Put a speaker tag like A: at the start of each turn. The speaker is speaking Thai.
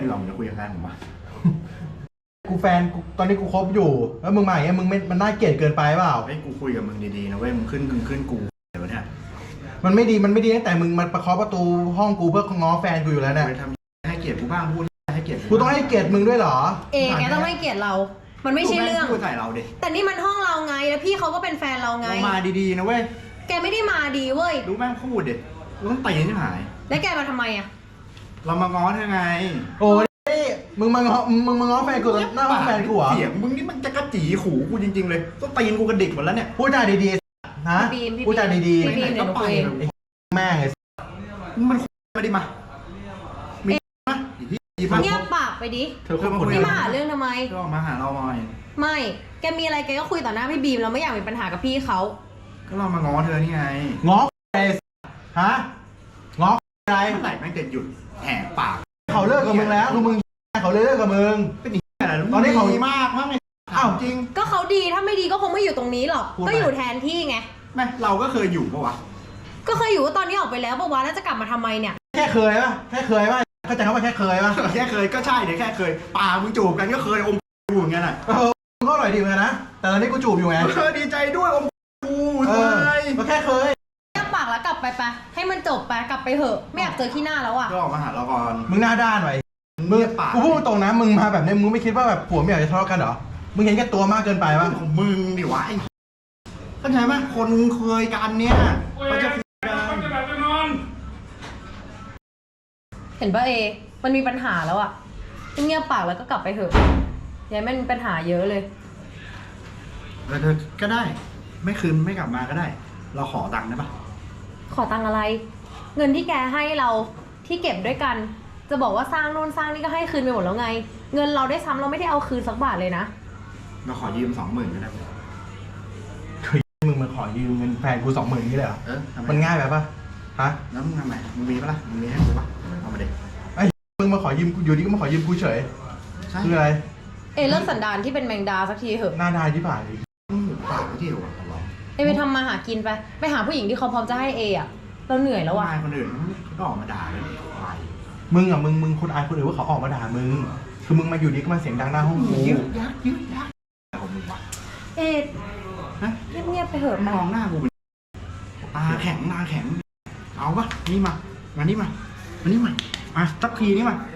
A: ดีกว่าผมจะคุยกับแฟนผมวะ
B: กูแฟนกูตอนนี้กูคบอยู่แล้วมึงมาอย่างเงี้ยมึงไม่มันน่าเกลียดเกินไปเปล่า
A: เฮ้ยกูคุยกับมึงดีๆนะเว้ยมึงขึ้นกูเดี๋ยวเนี่ย
B: มันไม่ดีตั้งแต่มึงมาประเคาะประตูห้องกูเพื่อง้อแฟนกูอยู่แล้วเนี่ย
A: ไปทำให้เกียรติกูบ้างพูดให้เกียรติ
B: กูต้องให้เกียรติมึงด้วยเหรอ
C: แกต้องให้เกียรติเรามันไม่ใช่เรื่อง
A: พูดใส่เราดิ
C: แต่นี่มันห้องเราไงแล้วพี่เขาก็เป็นแฟนเราไง
A: เรามาดีๆนะเว้ย
C: แกไม่ได้มาดีเว้ย
A: รู้แม่งพูดดิกูต้องตีใช่ไหม
C: แล้วแกมาทำไมอ่ะ
A: เรามาง้อเธอไง
B: โอ้ยมึงมาง้อแฟนกูหน้าห้องแฟนกูเหรอ
A: เสียงมึงนี่มันจะกระจีขู่กูจริงๆเลยต้องตีนกูกระดิกหมดแล้วเนี่ย
B: พูดจาดีๆนะพูดจาดี
C: ๆไหนก็ไป
B: แม่งไง
A: มันมาดิมามีมา
C: เงียบปากไปดิ
A: เธอมาคุย
C: นี่มาหาเรื่องทำไม
A: ก็มาหาเราหน่อย
C: ไม่แกมีอะไรแกก็คุยต่อหน้าพี่บีมเราไม่อยากมีปัญหากับพี่เขา
A: ก็เรามาง้อเธอนี่ไง
B: ง้อฮะง้ออะไร
A: เมื่อไหร่แม่งจะหยุดแหกปาก
B: เขาเลิกกับมึงแล้วมึงเขาเลิกกับมึง
A: เป็นอย่างไร
B: ตอนนี้เขา
A: ดีมากไงอ้าวจริง
C: ก็เขาดีถ้าไม่ดีก็คงไม่อยู่ตรงนี้หรอกก็อยู่แทนที่ไง
A: แม่เราก็เคยอยู่ปะวะ
C: ก็เคยอยู่ตอนนี้ออกไปแล้วปะวะแล้วจะกลับมาทำไมเนี่ย
B: แค่เคยป่ะเข้าใจเขาว่าแค่เคยป่ะ
A: แค่เคยก็ใช่เดี๋ยวแค่เคยปามึงจูบกันก็เคยอมกูอย่างเงี้ยน่ะ
B: มึงก็อร่อยดีเหมือนกันนะแต่ตอนนี้กูจูบอยู่ไง
A: ดีใจด้วยอมกู
B: ก็แค่เคย
C: แค่ปากแล้วกลับไปให้มันจบไปกลับไปเถอะไม่อยากเจอขี้หน้าแล้วอ่ะ
A: ก็ออกมาหาเราก่อน
B: มึงหน้าด้านไว้มึงกูพูดตรงนะมึงมาแบบนี้มึงไม่คิดว่าแบบผัวเมียจะทะเลาะกันเหรอมึงเห็นแก่ตัวมากเกินไปป่ะ
A: ของมึงดิวะเข้าใจไหมคนเคยกันเนี่ยเขาจะ
C: เห็นป่ะมันมีปัญหาแล้วอ่ะเงียบปากแล้วก็กลับไปเถอะอย่าให้มันมีปัญหาเยอะเลย
A: ก็ได้ไม่คืนไม่กลับมาก็ได้เราขอตังค์ได้ปะ
C: ขอตังค์อะไรเงินที่แกให้เราที่เก็บด้วยกันจะบอกว่าสร้างโน่นสร้างนี่ก็ให้คืนไปหมดแล้วไงเงินเราได้ซ้ำเราไม่ได้เอาคืนสักบาทเลยนะ
A: เราขอยืม 20,000ก็ได้
B: มึงมาขอยืมเงินแฟนกู20,000นี่เลยเหรอมันง่ายแบบปะฮะ
A: แล้วมึงทำไมมึงมีปะล่ะมึงมีให้กูปะเอามาเด็ก
B: มึงมาขอยืมอยู่ดีก็มาขอยืมกูเฉยคืออะไร
C: เลิกสันดานที่เป็นแมงดาสักทีเถอะ
B: หน้าได้ที่ผ่าน
A: ปากที่อยู่
C: ไปทำมาหากินไปหาผู้หญิงที่เขาพร้อมจะให้อ่ะเราเหนื่อยแล้วอ่ะ
A: คนอื่นก็ออกมาด่าเลย
B: มึงอ่ะมึงคนอายคนอื่นว่าเขาออกมาด่ามึงคือมึงมาอยู่ดีก็มาเสียงดังหน้าห้องกู
A: ยึกยักของมึงวะ
C: เงียบไปเถอะ
A: มองหน้ากูตาแข็งเอาปะนี่มานี่มาสักทีนี่มา